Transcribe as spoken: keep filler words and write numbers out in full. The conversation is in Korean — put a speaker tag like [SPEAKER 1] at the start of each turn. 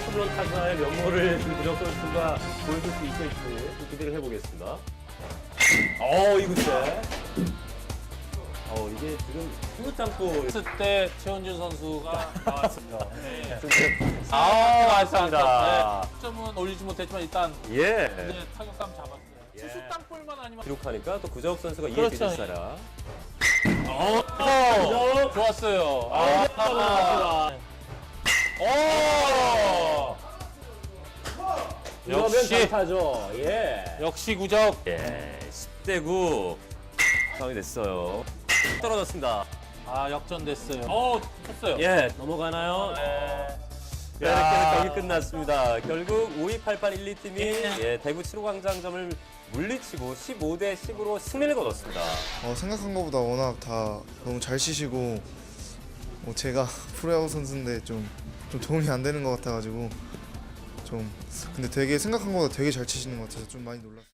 [SPEAKER 1] 프로 타자의 면모를 구정 선수가 보여줄 수 있을지 좀 기대를 해보겠습니다. 어, 이구째. 어, 이게 지금 스무 땅볼.
[SPEAKER 2] 했을 때 최원준 선수가 나왔습니다. 네.
[SPEAKER 1] 아, 맞습니다.
[SPEAKER 2] 네, 점은 올리지 못했지만 일단
[SPEAKER 1] 예.
[SPEAKER 2] 이제 타격감 잡았어요.
[SPEAKER 1] 예.
[SPEAKER 2] 투수 땅볼만 아니면
[SPEAKER 1] 기록하니까 또 구정 선수가 이에
[SPEAKER 2] 그렇죠.
[SPEAKER 1] 비슷하라.
[SPEAKER 2] 어,
[SPEAKER 1] 어,
[SPEAKER 2] 좋았어요.
[SPEAKER 1] 아,
[SPEAKER 2] 아,
[SPEAKER 1] 오! 이러면
[SPEAKER 2] 역시.
[SPEAKER 1] 강타죠. 예.
[SPEAKER 2] 역시 구적.
[SPEAKER 1] 예, 십 대 구 상황이 됐어요. 떨어졌습니다.
[SPEAKER 2] 아, 역전됐어요. 어, 쳤어요.
[SPEAKER 1] 예, 넘어가나요?
[SPEAKER 2] 네.
[SPEAKER 1] 네, 이렇게 경기 끝났습니다. 결국 오이팔팔일이 팀이 예, 대구 칠호광장점을 물리치고 십오 대 십으로 승리를 거뒀습니다.
[SPEAKER 3] 어, 생각한 것보다 워낙 다 너무 잘 치시고 뭐 제가 프로야구 선수인데 좀, 좀 도움이 안 되는 것 같아가지고 좀 근데 되게 생각한 것보다 되게 잘 치시는 것 같아서 좀 많이 놀랐어요.